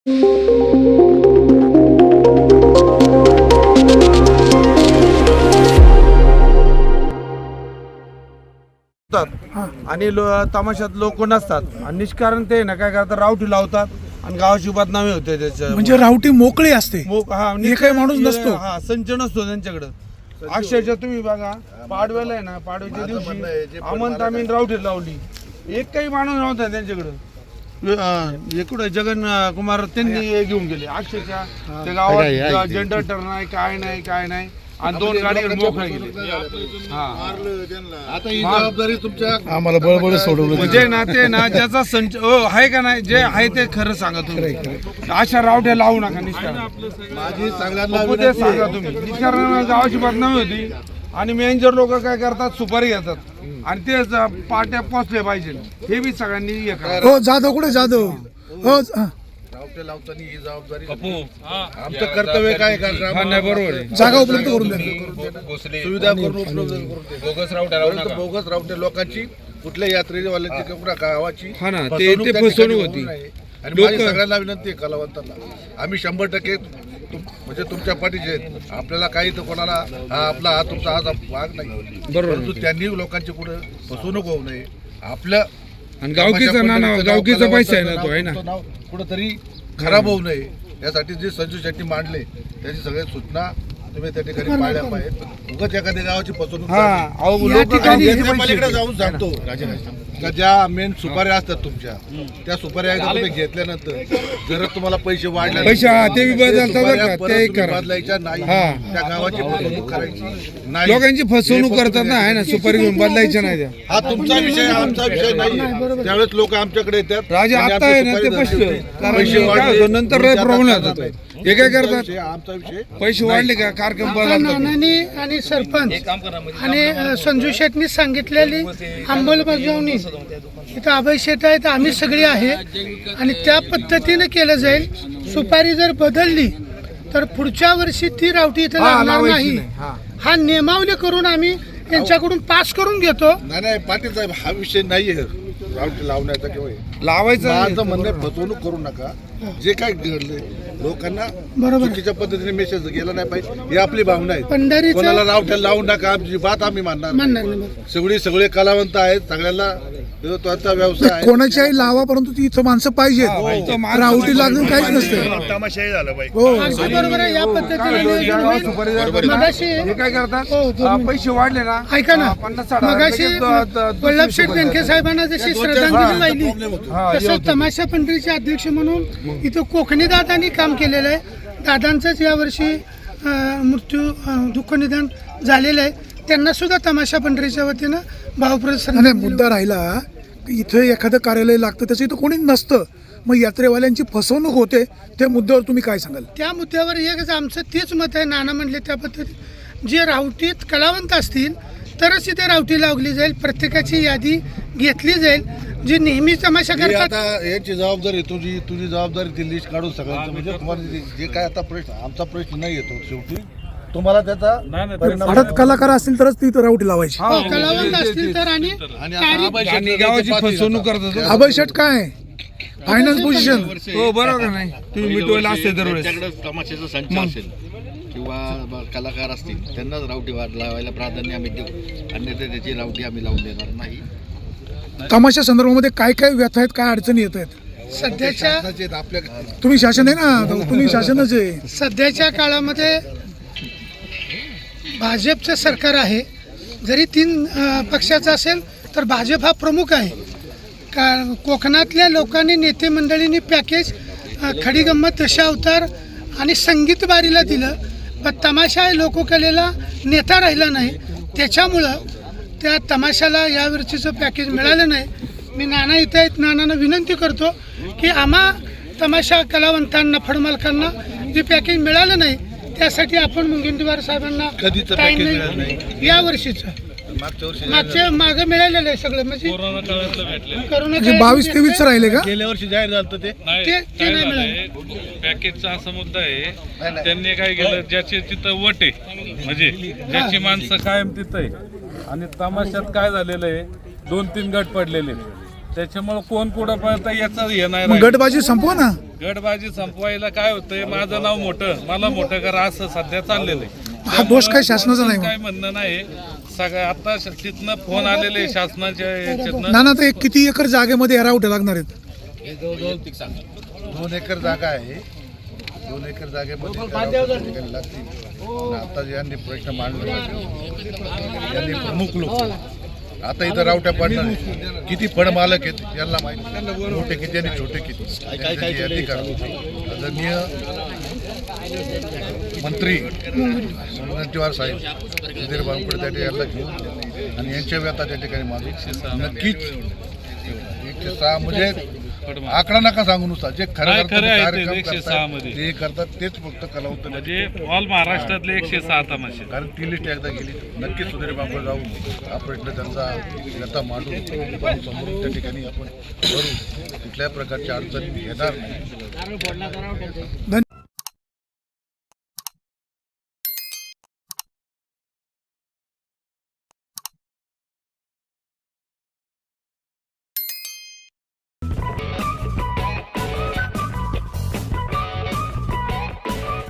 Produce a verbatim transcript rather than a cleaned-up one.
आणि तमाशात लोक नसतात आणि निष्कारण ते ना काय करतात, रावटी लावतात आणि गावाची बदनामी होते त्याच्या. म्हणजे रावटी मोकळी असते, हा काही माणूस नसतो, हा संच नसतो त्यांच्याकडे. अक्षरशः तुम्ही बघा पाडव्याला आहे ना, पाडव्याच्या दिवशी अमन तामीन रावटी लावली, एक काही माणूस नव्हता त्यांच्याकडे. इकडे जगन कुमार त्यांनी घेऊन गेले. अक्षरशः त्या गावात जनरेटर नाही, काय नाही काय नाही, आणि दोन गाडी मोकळे गेले. आता ही जबाबदारी तुमच्या आम्हाला बळबळ सोडवलं. म्हणजे ना ते ना ज्याचा संच आहे का नाही, जे आहे ते खरं सांगा तुम्ही. अशा रावट्या लावू नका निष्कारण. माझी सगळ्यांना ते सांगा तुम्ही. निष्कारण गावाची बदनामी होती आणि मॅनेजर लोक काय करतात, सुपारी घेतात आणि तेच पाट्या पोचले पाहिजे, हे बी सगळ्यांनी हे करा. हो जाधव कुठे जाधव हो रावटे लावताना ही जबाबदारी आमचं कर्तव्य काय नाही बरोबर आहे. जागा उपलब्ध करून द्या, सुविधा करून उपलब्ध करून बोगस रावटे बोगस रावटे लोकांची कुठल्या यात्रेवाल्यांची किंवा गावाची हा ना, ते ते फसवणूक होती. आणि माझी सगळ्यांना विनंती आहे कलावंतांना, आम्ही शंभर टक्के म्हणजे तुमच्या पाठीचे आहेत. आपल्याला काही तर कोणाला हा आपला हा तुमचा हा भाग नाही, परंतु त्यांनी लोकांची कुठे फसवणूक होऊ नये. आपलं आणि गावकीचा ना गावकीचा पैसा आहे ना, तो आहे ना, कुठंतरी खराब होऊ नये यासाठी जे संजू शेट्टी मांडले त्याची सगळ्या सूचना तुम्ही त्या ठिकाणी पाळल्या पाहिजेत. उगाच एखाद्या गावाची फसवणूक जाऊन सांगतो का ज्या मेन सुपाऱ्या असतात तुमच्या, त्या सुपाऱ्या तुम्ही घेतल्यानंतर जर तुम्हाला पैसे वाढले पैसे ते बदलायच्या नाही, त्या गावाची फसवणूक करायची नाही. लोकांची फसवणूक करतात ना, आहे ना, सुपारी घेऊन बदलायच्या नाही त्या. हा तुमचा विषय, आमचा विषय नाही. त्यावेळेस लोक आमच्याकडे येतात, राजा आता आहे ना ते पैसे वाढले नंतर प्रॉब्लेम होतात. हे काय करतात, आमचा विषय पैसे वाढले का कार्यक्रम बदलतात. आणि सरपंच आणि संजू शेटनी सांगितलेली अंमलबजावणी इथं अभय शेट आहे तर आम्ही सगळी आहे आणि त्या पद्धतीने केलं जाईल. सुपारी जर बदलली तर पुढच्या वर्षी ती रावटी इथं लागणार नाही. हा नियमावली करून आम्ही त्यांच्याकडून पास करून घेतो. नाही नाही पाटील साहेब, हा विषय नाहीये रावटी लावण्याचा किंवा लावायचं. माझं म्हणणं फसवणूक करू नका. जे काय घडले लोकांना चुकीच्या पद्धतीने मेसेज गेला नाही पाहिजे, ही आपली भावना आहे. कोणाला रावट्या लावू नका, आमची बात आम्ही मानणार नाही. सगळी सगळे कलावंत आहेत, सगळ्यांना त्याचा व्यवसाय आहे. कोणाच्याही लावा, परंतु ती इथं माणसं पाहिजेत. रावटी लागून काहीच नसतं. तमाशाही झालं पाहिजे. बरोबर आहे. या पद्धतीने काय करतात, पैसे वाढले ना, ऐका ना, मगाशी वल्लभ शेठ बेनके साहेबांना जशी श्रद्धांजली वाहिली तसं तमाशा पंढरीचे अध्यक्ष म्हणून इथं कोकणी दादांनी काम केलेलं आहे. दादांचंच यावर्षी मृत्यू दुःख निधन झालेलं आहे. त्यांना सुद्धा तमाशा पंढरीच्या वतीनं भावप्रसन्न. नाही, मुद्दा राहिला इथं एखादं कार्यालय लागतं, त्याचं इथं कोणी नसतं, मग यात्रेवाल्यांची फसवणूक होते. त्या मुद्द्यावर तुम्ही काय सांगाल? त्या मुद्द्यावर एकच आमचं तेच मत आहे. नाना म्हणले त्या पद्धतीत जे रावटीत कलावंत असतील तरच इथे रावटी लावली जाईल, प्रत्येकाची यादी घेतली जाईल. जी नेहमी तमाशा करतात, आता याची जबाबदारी तुझी तुझी जबाबदारी ती लिस्ट काढून सगळ्यांचं, म्हणजे तुम्हाला जे काय आता प्रश्न, आमचा प्रश्न नाही येतो शेवटी तुम्हाला त्याचा भारत कलाकार असतील तरच ती रावटी लावायची. कलावंत असतील तर. आणि गावाची फसवणूक करतात. अभय शेट काय फायनान्स पोझिशन, हो बरोबर नाही, तुम्ही मिटवायला असते दरवेळेस. तमाशाचा संच असेल किंवा कलाकार असतील त्यांनाच रावटी लावायला प्राधान्य आम्ही देऊ, अन्यथा त्याची रावटी आम्ही लावून देणार नाही. तमाशा संदर्भामध्ये काय काय व्यथा आहेत, काय अडचणी येत आहेत सध्याच्या आपल्या तुम्ही शासन आहे ना, तुम्ही शासनच आहे. सध्याच्या काळामध्ये भाजपचं सरकार आहे. जरी तीन पक्षाचा असेल तर भाजप हा प्रमुख आहे. का कोकणातल्या लोकांनी, नेते मंडळींनी पॅकेज खडी गंमत दशावतार आणि संगीत बारीला दिलं, पण तमाशा लोककलेला नेता राहिला नाही. त्याच्यामुळं त्या तमाशाला यावर्षीचं पॅकेज मिळालं नाही. मी नाना इथं आहेत, नानांना विनंती करतो की आम्हा तमाशा कलावंतांना, फडमालकांना जे पॅकेज मिळालं नाही त्यासाठी आपण मुनगंटीवार साहेबांना या वर्षीचं मागच्या मागे मिळालेलं आहे सगळं. म्हणजे म्हणजे बावीस तेवीस राहिले का? गेल्या वर्षी जाहीर झालं ते ते नाही मिळालं. पॅकेजचा असा मुद्दा आहे, त्यांनी काय केलं, ज्याची तिथं वट आहे, म्हणजे ज्याची माणसं कायम तिथं आहे, आणि तमाशात काय झालेलं आहे, दोन तीन गट पडलेले. त्याच्यामुळे कोण कुठं पळतं याचं हे नाही मग राहिलं. गटबाजी संपवा ना. गटबाजी संपवायला काय होतंय, माझं नाव मोठं मला मोठं करा असं सध्या चाललेलं आहे. हा दोष काय शासनाचा नाही काय म्हणणं नाही सगळं आता श- तिथनं फोन आलेले शासनाच्या याच्यातनं. ना ना तर एक किती एकर जागेमध्ये रावटे लागणार आहेत? दोन एकर जागा आहे. दोन एकर जागेमध्ये त्या ठिकाणी लागतील. आणि आता यांनी प्रश्न मांडला यांनी प्रमुख लोक आता इथं रावट्या पाडणार आहेत. किती फळ मालक आहेत यांना माहिती, मोठे किती आणि छोटे किती त्यांची यादी करा. आदरणीय मंत्री मुनगंटीवार साहेब सुधीर बावनकुळे त्या ठिकाणी यांना घेऊन आणि यांच्या व्यथा त्या ठिकाणी मागून नक्कीच एकशे सहा म्हणजे आकडा नका सांगू नुसता जे खरं नाही, करतात, खरं आहे ते कार्यक्रम एकशे करतात, सहा मध्ये. ते करतात तेच फक्त कलावंत म्हणजे ऑल महाराष्ट्रातले एकशे सहा तमाशे. कारण ती लिस्ट एकदा गेली नक्कीच सुधीर बांबळ जाऊन हा प्रश्न त्यांचा व्यथा मांडून आपण समोरून त्या ठिकाणी आपण करू. कुठल्याही प्रकारची अडचण येणार नाही.